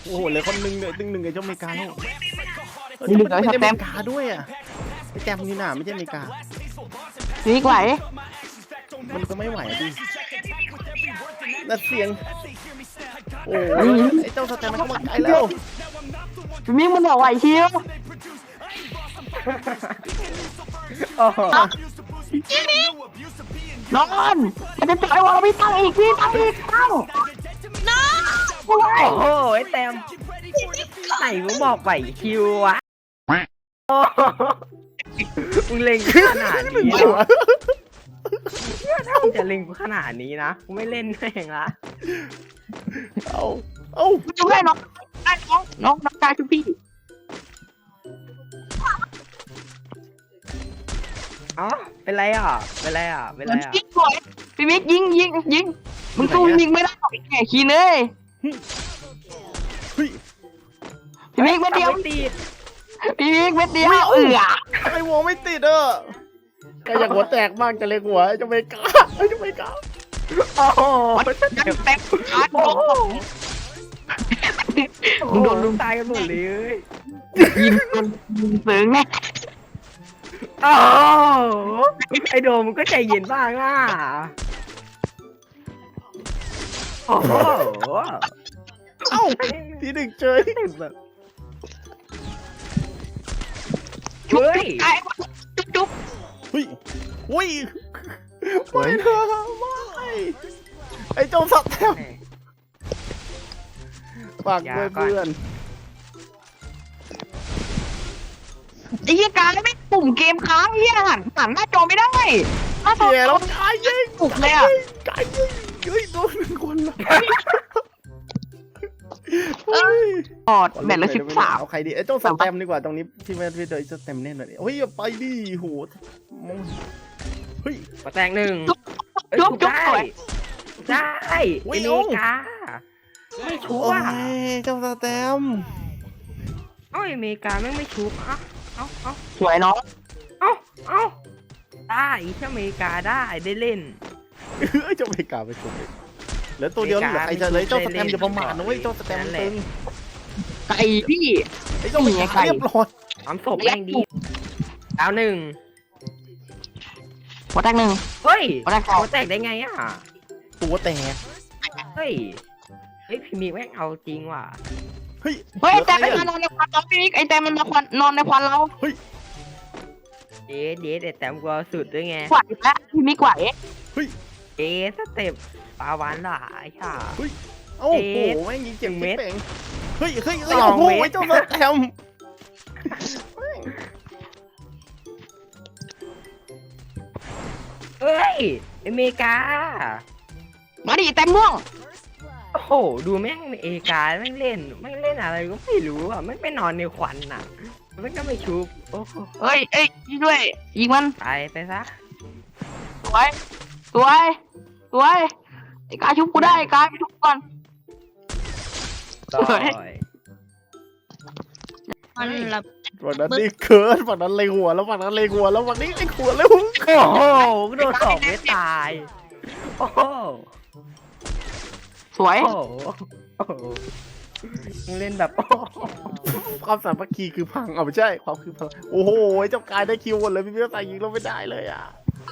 โอ้โหเหลือคนหนึ่งเลยหนึ่งไอ้เจ้าอเมริกาแล้วมีหนึ่งไม่เอาใช่ชอแตเมมริกาด้วยอ่ะไอ้แจมนี่น่ะไม่ใช่อเมริกานี่ไหวมันก็ไม่ไหวดินั่นเสียงโอ้ยไอ้เจ้าสแตมมันเข้ามาไกลแล้วพี่มิกมันบอกไหวชิวโอ้โหนอนมันจะจ่อยวอลพี่ตั้งอีกพี่ตั้งอีกตั้งน้องโอ้ยโอ้โหไอ้แต้มไหนมึงบอกไหวคิววะโอ้โหมึงเล็งกูขนาดนี้เหรอถ้ามึงจะเล็งกูขนาดนี้นะกูไม่เล่นแม่งละเอาจุ๊บให้น้องได้น้องกายจุ๊บพี่อ๋อเป็นไรอ่ะเป็นไรอ่ะเป็นไรอ่ะยิงสวยพี่มิกยิงมึงสู้พี่มิกไม่ได้หรอกไอ้แก่ขี้เลยเฮ้ยพี่มิกเม็ดเดียวไม่ติดพี่มิกเม็ดเดียวไอ้วงไม่ติดอ่ะก็อยากหัวแตกบ้างจะเล็งหัวไอ้เจ้าอเมริกาไอ้เจ้าอเมริกาโอ้โหยังแตกขาดมึงโดนลุมตายกันหมดเลยยิงจนยิงเสืองแน่โอ้โหไอโดมมึงก็ใจเย็นบ้างอ่ะโอ้โหเอ้าทีหนึ่งเจอแบบจุ๊บเฮ้ยไอ้จุ๊บเฮ้ยอุ้ยไม่เถอะไม่ไอ้เจ้าสัตว์แทมฝากด้วยเพื่อนไอ้เหี้ยการไม่ปุ่มเกมค้างเหี้ยหันหน้าจอไม่ได้หน้าจอเสียแล้วกายยิงปุกเลยอ่ะกายยิงเฮ้ยโดนหนึ่งคนละอดแบตละ13 เอาใครดีไอ้เจ้าสแตมดีกว่าตรงนี้พี่ไม่พี่เจอสแตมแน่นอนเฮ้ยไปดิโหเฮ้ยมาแต่งหนึ่งจุ๊บได้สวยได้อุ๊ไอ้ยเมกาไม่ชุบโอ้อ่ะยเจ้าสแตมเอ้าไอ้เมกาแม่งไม่ชุบอ่ะเอ้าสวยน้องเอ้าได้แค่เมกาได้เล่นเฮ้ยเจ้าอเมริกาไปชุบเหลือตัวเดียวเหลือใครจะเลยเจ้าสแตมอย่าประมาทนะเว้ยเจ้าสแตมมันตึงไก่พี่ไอ้เจ้าอเมริกาเรียบร้อยความศพแม่งดีดาวหนึ่งหัวแตกหนึ่งเฮ้ยหัวแตกสองหัวแตกได้ไงอ่ะตัวแตกเฮ้ยพี่มีแม่งเอาจริงว่ะเฮ้ยเฮ้ยไอ้แต้มมันมานอนในควันเราพี่มิกไอ้แต้มมันมานอนในควันเราเดแต่แต้มกลัวสุดด้วยไงไหวแล้วพี่มิกไหวสเต็ปปลาหวานหลายค่ะโอ้โหแม่งยิงเจ็บเม็ดเป่งเฮ้ยโอ้สองโหเม็ดเจ้าสแตมเฮ้ยอเมริกามาดิแต้มม่วงโอ้โหดูแม่งเอกาแม่งเล่นอะไรก็ไม่รู้อ่ะแม่งไปนอนในควันน่ะแม่งก็ไม่ชุบโอ้โหเฮ้ยยิงด้วยยิงมันไปซะสวยไอ้กายชุบกูได้ไอ้กายไปชุบก่อนต่อยมันละฝั่งนั้นนี่เคิร์ดฝั่งนั้นเลยหัวแล้วฝั่งนั้นเลยหัวแล้วฝั่งนี้เลยหัวแล้วโอ้โหโดนสองไม่ตายโอ้โหสวยโอ้โหมึงเล่นแบบโอ้โหความสามัคคีคือพังเอาไม่ใช่ความคือพลังโอ้โหเจ้ากายได้คิวหมดเลยพี่เบี้ยใส่ยิงเราไม่ได้เลยอ่ะ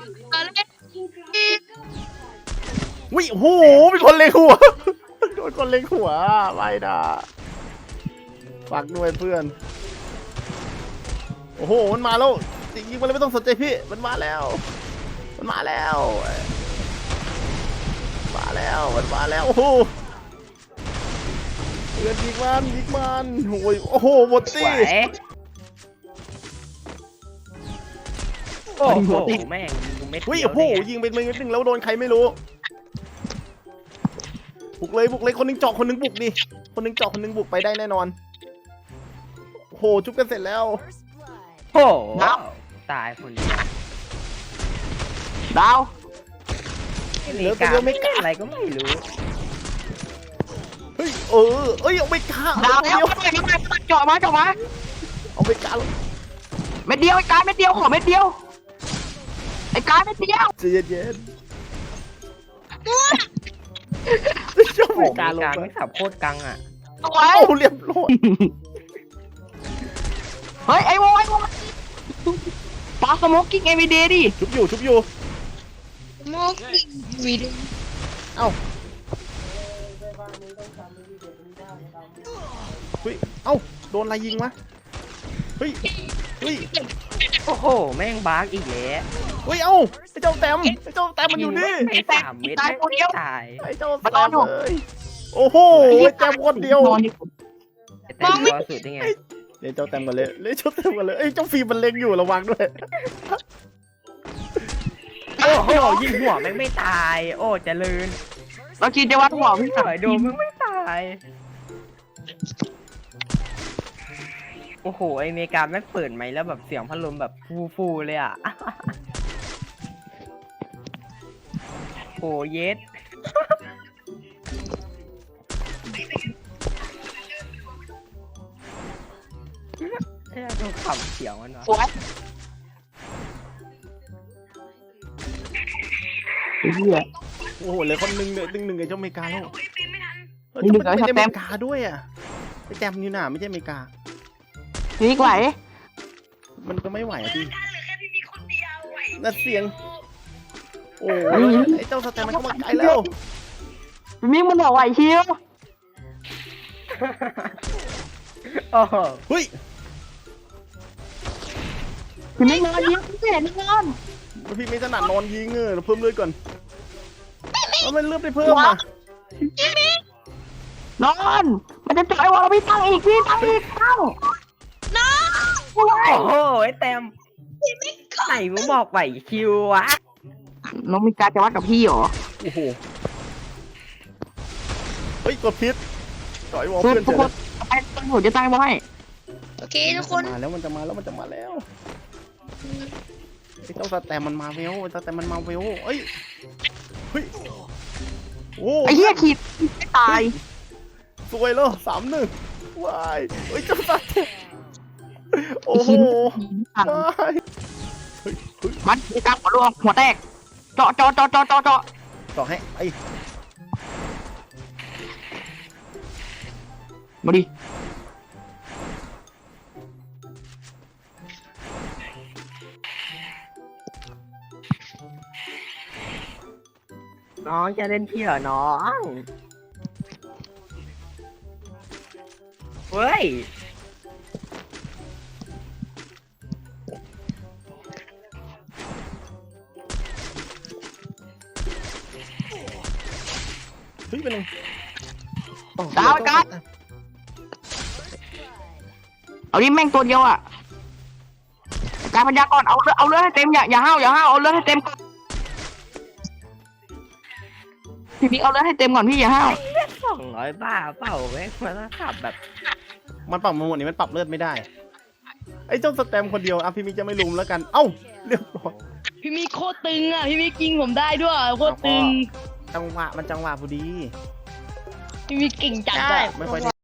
วิโอ้โหมีคนเล็งหัวโดนคนเล็งหัวไม่นะฝากด้วยเพื่อนโอ้โหมันมาแล้วยิงมันเลยไม่ต้องสนใจพี่มันมาแล้วมันมาแล้วโอ้โหเพื่อนยิงมันโอ้โหหมดสตีวยโอ้โหแม่งกูเม็ดวิเดียวโอ้โหเนี่ยยิงเป็นมือนิดนึงแล้วโดนใครไม่รู้บุกเลยคนหนึงเจาะคนหนึงบุกดิคนหนึงเจาะคนหนึงบุกไปได้แน่นอนโอ้โหจุ๊บกันเสร็จแล้วโอ้โหตายคนเดียวดาวอเมริกาไม่เล่นอะไรก็ไม่รู้เฮ้ยเอ้ยเอาไปฆ่าดาวเดีแล้วยวเจาะมาเอาไปฆ่าเม็ดเดียวไอ้กายเม็ดเดียวขอเม็ดเดียวไอ้กายเม็ดเดียวใจเย็นๆเจ้าโอ้ไปโหฆ่าลงการไปไม่สับโคตรกังอ่ะสวยโอ้เรียบร้อยเฮ้ยไอ้โว้ยปาสโมกกิ้งเอวีเดดิชุบอยู่ชุบอยู่โมกวีดีเอ้าเฮ้ยเอ้าโดนอะไรยิงวะเฮ้ยเฮ้ยโอ้โหแม่งบั๊กอีกแล้วเฮ้ยเอ้าไอ้เจ้าแต้มมันอยู่นี่ไอ้3 เม็ดแม่งไม่ตายไอ้เจ้าแต้มเลยโอ้โหไอ้แต้มคนเดียวแต่ตัวสุดยังไงเล่นเจ้าแต้มกันเลยเล่นเจ้าแต้มกันเลยเอ้ยเจ้าฟิล์มมันเล็งอยู่ระวังด้วยโอ้โหยิงหัวแม่งไม่ตาย โอ้เจริญเราคิดจะวัดหัวพี่หน่อยโดนแม่งไม่ตายโอ้โหไอเมกาแม่งเปิดไหมค์แล้วแบบเสียงพัดลมแบบฟูเลยอ่ะโอ้เย็ดเฮ้ยดูขำเสียงมันวะสวยไอ้เหี้ยโอ้โหเหลือคนหนึ่งเหลือหนึ่งไอ้เจ้าอเมริกาแล้วมีหนึ่งไม่ใช่แล้วอแต้เมมริกาด้วยอ่ะไอ้แต้มนี่น่ะไม่ใช่อเมริกานี่ไหวมันก็ไม่ไหวอะพี่นั่นเสียงโอ้ยไอ้เจ้าสแตมมันเข้ามาไกลแล้วมิงมันบอกไหวชิวโอ้โหเฮ้ยพี่มิงนอนยิงพี่เห็นนอนพี่ไม่ถนัดนอนยิงเราเพิ่มเลือดก่อนแล้วมันเลือดได้เพิ่มอ่ะนอนมันจะจ่อยวอลพี่ตั้งอีกพี่ตั้งอีกตั้งน้องโอ้โหไอ้แต้มไหนมึงบอกไหวคิววะน้องมีการจะวัดกับพี่เหรอโอ้โหเฮ้ยกดพิษต่อยวอลทุกเพื่อนทุเฉกยคนไปตั้งหัวจะตั้งไว้โอเคทุกคนมาแล้วมันจะมาแล้วไอ้เจ้าสแตมมันมาเวลสแตมมันมาเวลเอ้ยเฮ้ยโอ้ไอ้เหี้ยขีดไม่ตายสวยแล้ว3-1ว้ายเฮ้ยเจ้าสแตมโอ้โหว้ายเฮ้ยมันมีการหัวรวมหัวแตกเจาะต่อให้ไอ้มาดิน้องจะเล่นพี่เหรอน้องเฮ้ยเฮ้ยเป็นไงดาวกันเอาดิแม่งตัวเดียวอ่ะการพยากรณ์เอาเลือดให้เต็มอย่าห้าวเอาเลือดให้เต็มก่อนพี่บิ๊กเอาเลือดให้เต็มก่อนพี่อย่าห้าว 200 บาทเปล่าแม่งมันขับแบบมันปรับมาหมดนี่มันปรับเลือดไม่ได้ไอ้เจ้าสแตมคนเดียวอ่ะพี่มิกจะไม่ลุมแล้วกันเอ้าเรียบร้อยพี่มีโคตรตึงอ่ะพี่มียิงผมได้ด้วยโคตรตึงจังหวะพอดีพี่มีเก่งจัดไม่ค่อย